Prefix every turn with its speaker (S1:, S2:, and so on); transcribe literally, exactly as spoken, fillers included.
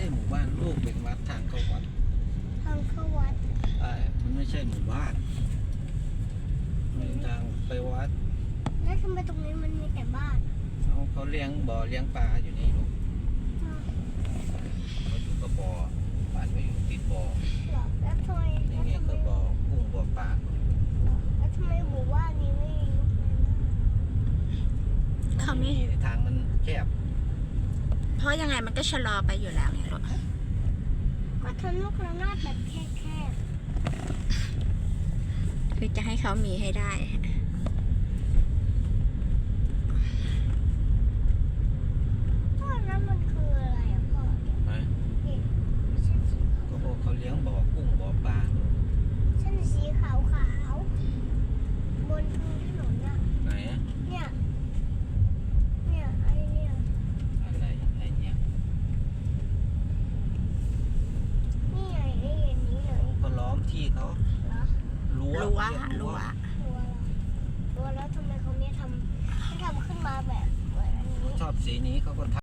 S1: หมู่บ้านลูกเป็นวัดทางเข้าวัด
S2: ทางเข้าวัด
S1: ใช่มันไม่ใช่หมู่บ้านมีทางไปวัด
S2: แล้วทำไมตรงนี้มันมีแต่บ้าน
S1: เขาเขาเลี้ยงบ่อเลี้ยงปลาอยู่นี่ลูกเขาอยู่กับบ่อบ้านเขาอยู่ติดบ่อ
S2: หรอแล้วทำไม
S1: นี่ไงก็บ่อกุ้งบ่อปลา
S2: แล้วทำไมหมู่บ้านนี้ไม่
S1: เขาไม่ทางมันแคบ
S3: เพราะยังไงมันก็ชะลอไปอยู่แล้วไงลูก
S2: ก็ทำลูกระนาดแบบแคบ
S3: ๆคือจะให้เขามีให้ได้
S2: พ่อแล้วมันคืออะไรอ่ะพ่อเนี่ย
S1: ก็บอกเขาเลี้ยงบ่อกุ้งบ่อปลา
S2: เส้นสีขาวขาวบนพื้นถนนอ่ะ
S1: ไหน
S2: เนี่ยเนี่ยไอเนี่ย
S1: อะไรไอเนี่ย
S2: นี่ไงไอ้อย่างนี้เลย
S1: เขาล้อมที่เขารั้ว
S3: รั้วรั้ว
S2: รั้วแล้วทำไมเขาไม่ทำไม่ทำขึ้นมาแบบเหมือนอันนี้
S1: ชอบสีนี้เขาก็ทำ